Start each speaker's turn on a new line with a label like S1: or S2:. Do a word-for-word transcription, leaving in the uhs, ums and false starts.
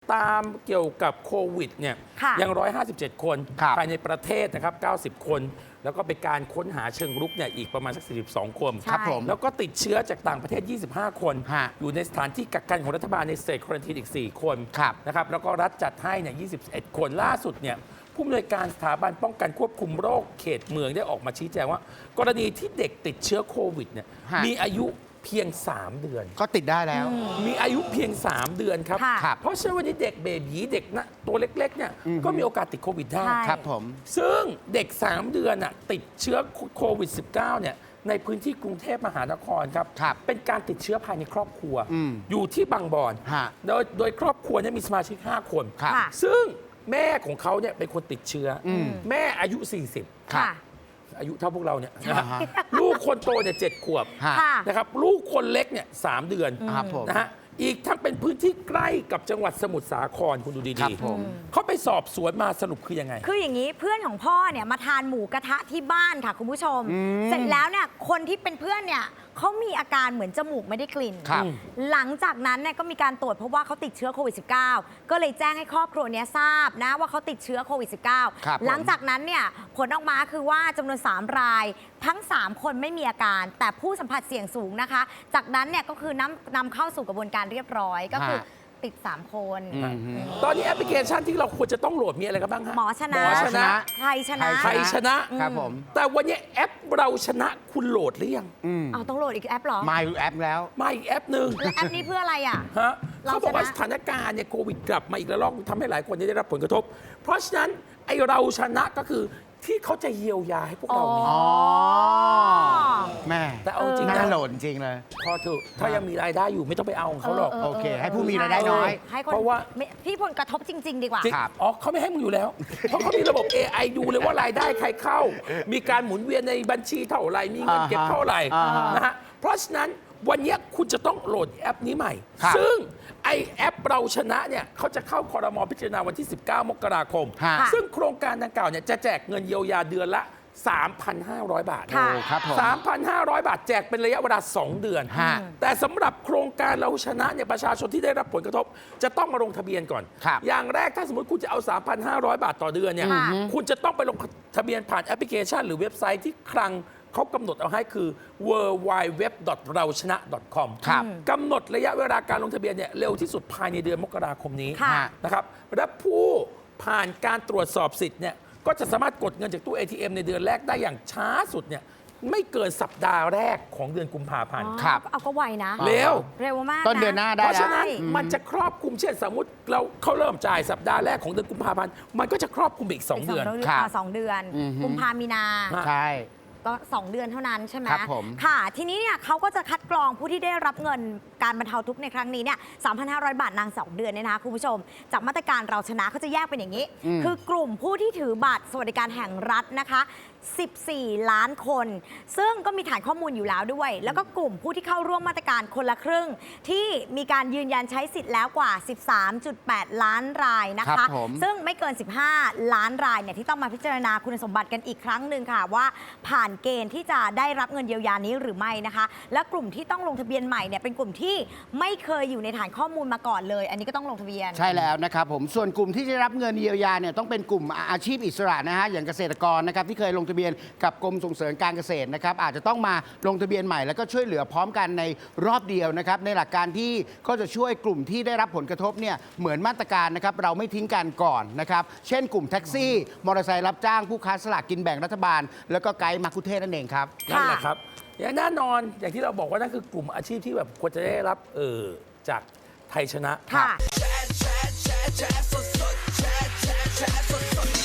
S1: ตามเกี่ยวกับโควิดเนี่ยยังหนึ่งร้อยห้าสิบเจ็ดคนภายในประเทศนะครับเก้าสิบคนแล้วก็เป็นการค้นหาเชิงรุกเนี่ยอีกประมาณสักสี่สิบสองคน
S2: ครับผม
S1: แล้วก็ติดเชื้อจากต่างประเทศยี่สิบห้าคนอยู่ในสถานที่กักกันของรัฐบาลในสเตทควอรันทีนอีกสี่คนนะครับแล้วก็รัฐจัดให้เนี่ยยี่สิบเอ็ดคนล่าสุดเนี่ยผู้อำนวยการสถาบันป้องกันควบคุมโรคเขตเมืองได้ออกมาชี้แจงว่ากรณีที่เด็กติดเชื้อโควิดเนี่ยมีอายุเพียงสามเดือน
S2: ก็ติดได้แล้ว
S1: มีอายุเพียงสามเดือนครับเพราะฉะนั้นวันนี้เด็กเบบีเด็กนะตัวเล็กๆเนี่ยก็มีโอกาสติดโควิดได้
S2: ครับผม
S1: ซึ่งเด็กสามเดือนน่ะติดเชื้อโควิด สิบเก้า เนี่ยในพื้นที่กรุงเทพมหานครครับเป็นการติดเชื้อภายในครอบครัวอยู่ที่บางบอนโดยโดยครอบครัวนี้มีสมาชิกห้าคนซึ่งแม่ของเขาเนี่ยเป็นคนติดเชื้อแม่อายุสี่สิบอายุเท่าพวกเราเนี่ยลูกคนโตเนี่ยเจ็ดขวบนะครับลูกคนเล็กเนี่ยสามเดือนนะฮะอีกทั้งเป็นพื้นที่ใกล้กับจังหวัดสมุทรสาครคุณดูดีๆเขาไปสอบสวนมาสรุปคือยังไง
S3: คืออย่างนี้เพื่อนของพ่อเนี่ยมาทานหมูกระทะที่บ้านค่ะคุณผู้ชมเสร็จแล้วเนี่ยคนที่เป็นเพื่อนเนี่ยเขามีอาการเหมือนจมูกไม่ได้กลิ่นหลังจากนั้นเนี่ยก็มีการตรวจพบว่าเขาติดเชื้อโควิด สิบเก้า ก็เลยแจ้งให้ครอบครัวนี้ทราบนะว่าเขาติดเชื้อโควิด สิบเก้า หลังจากนั้นเนี่ยผลออกมาคือว่าจำนวนสามรายทั้งสามคนไม่มีอาการแต่ผู้สัมผัสเสี่ยงสูงนะคะจากนั้นเนี่ยก็คือนำนำเข้าสู่กระบวนการเรียบร้อยก็คือติดสามคน
S1: ตอนนี้แอปพลิเคชันที่เราควรจะต้องโหลดมีอะไรกันบ้างฮะ
S3: หมอชนะ
S1: ชนะ
S3: ไทยชนะ
S1: ไทยช
S2: นะครับผม
S1: แต่วันนี้แอปเราชนะคุณโหลดหรือยัง
S3: เอาต้องโหลดอีกแอปหรอ
S2: มาอีกแอปแล้ว
S1: มาอีกแอปหนึ่ง
S3: แอปนี้เพื่ออะไรอ่ะ
S1: ฮะเขาบอกว่าสถานการณ์เนี่ยโควิดกลับมาอีกแล้วลอกทำให้หลายคนได้รับผลกระทบเพราะฉะนั้นไอเราชนะก็คือที่เขาจะเยียวยาให้พวกเรา
S2: อ๋อแม่
S1: แต่เอาจริง
S2: น่าโหลดจริงเลย
S1: พอเถอะถ้ายังมีรายได้อยู่ไม่ต้องไปเอาของเขาหรอก
S2: โอเคให้ผู้มีรายได้น้อย
S3: เพราะว่าพี่ผลกระทบจริงๆดีกว่า
S1: อ๋อเขาไม่ให้มึงอยู่แล้วเพราะเขามีระบบ เอ ไอ ดูเลยว่ารายได้ใครเข้ามีการหมุนเวียนในบัญชีเท่าไหร่มีเงินเก็บเท่าไหร่นะฮะเพราะฉะนั้นวันนี้คุณจะต้องโหลดแอปนี้ใหม่ซึ่งไอแอปเราชนะเนี่ยเขาจะเข้าครม.พิจารณาวันที่สิบเก้ามกราคมซึ่งโครงการดังกล่าวเนี่ยจะแจกเงินเยียวยาเดือนละ สามพันห้าร้อย บาท สามพันห้าร้อย บาทแจกเป็นระยะเวลาสองเดือนแต่สำหรับโครงการเราชนะเนี่ยประชาชนที่ได้รับผลกระทบจะต้องมาลงทะเบียนก่อนอย่างแรกถ้าสมมติคุณจะเอา สามพันห้าร้อย บาทต่อเดือนเนี่ยคุณจะต้องไปลงทะเบียนผ่านแอปพลิเคชันหรือเว็บไซต์ที่คลังเขากำหนดเอาให้คือ ดับเบิลยู ดับเบิลยู ดับเบิลยู ดับเบิลยู ดอท เราชนะ ดอท คอม กำหนดระยะเวลาการลงทะเบียนเนี่ยเร็วที่สุดภายในเดือนมกราคมนี้นะครับและผู้ผ่านการตรวจสอบสิทธิ์เนี่ยก็จะสามารถกดเงินจากตู้ เอ ที เอ็ม ในเดือนแรกได้อย่างช้าสุดเนี่ยไม่เกินสัปดาห์แรกของเดือนกุมภาพันธ์
S3: ครับเอาก็ไวนะ
S1: เร็ว
S3: เร็วมาก
S2: ต้นเดือนหน้าได้
S1: เพราะฉะนั้นมันจะครอบคลุมเช่นสมมติเราเขาเริ่มจ่ายสัปดาห์แรกของเดือนกุมภาพันธ์มันก็จะครอบคลุมอีกสองเดือน
S3: สองเดือนกุมภามีนา
S2: ใช่
S3: ก็สองเดือนเท่านั้นใช่ไหมค่ะทีนี้เนี่ยเขาก็จะคัดกรองผู้ที่ได้รับเงินการบรรเทาทุกข์ในครั้งนี้เนี่ย สามพันห้าร้อย บาทนางสองเดือนเนี่ยนะคะคุณผู้ชมจากมาตรการเราชนะเขาจะแยกเป็นอย่างนี้คือกลุ่มผู้ที่ถือบัตรสวัสดิการแห่งรัฐนะคะสิบสี่ล้านคนซึ่งก็มีฐานข้อมูลอยู่แล้วด้วยแล้วก็กลุ่มผู้ที่เข้าร่วมมาตรการคนละครึ่งที่มีการยืนยันใช้สิทธิ์แล้วกว่า สิบสามจุดแปด ล้านรายนะคะซึ่งไม่เกินสิบห้าล้านรายเนี่ยที่ต้องมาพิจารณาคุณสมบัติกันอีกครั้งหนึ่งค่ะว่าผ่านเกณฑ์ที่จะได้รับเงินเยียวยานี้หรือไม่นะคะและกลุ่มที่ต้องลงทะเบียนใหม่เนี่ยเป็นกลุ่มที่ไม่เคยอยู่ในฐานข้อมูลมาก่อนเลยอันนี้ก็ต้องลงทะเบียน
S2: ใช่แล้วนะครับผมส่วนกลุ่มที่จะรับเงินเยียวยาเนี่ยต้องเป็นกลุ่มอาชีพอิสระนะฮะอย่างเกษตรกรนะครับที่เคยลงทะเบียนกับกรมส่งเสริมการเกษตรนะครับอาจจะต้องมาลงทะเบียนใหม่แล้วก็ช่วยเหลือพร้อมกันในรอบเดียวนะครับในหลักการที่ก็จะช่วยกลุ่มที่ได้รับผลกระทบเนี่ยเหมือนมาตรการนะครับเราไม่ทิ้งกันก่อนนะครับเช่นกลุ่มแท็กซี่มอเตอร์ไซค์รับจ้างผู้ค้าสลากกินแบ่งรัฐบาลแล้วก็ไกด์มักคุเทศนั่นเองครับ
S1: นั่นแหละครับอย่างแน่นอนอย่างที่เราบอกว่านั่นคือกลุ่มอาชีพที่แบบควรจะได้รับเออจากไทยชนะ
S3: ค่ะ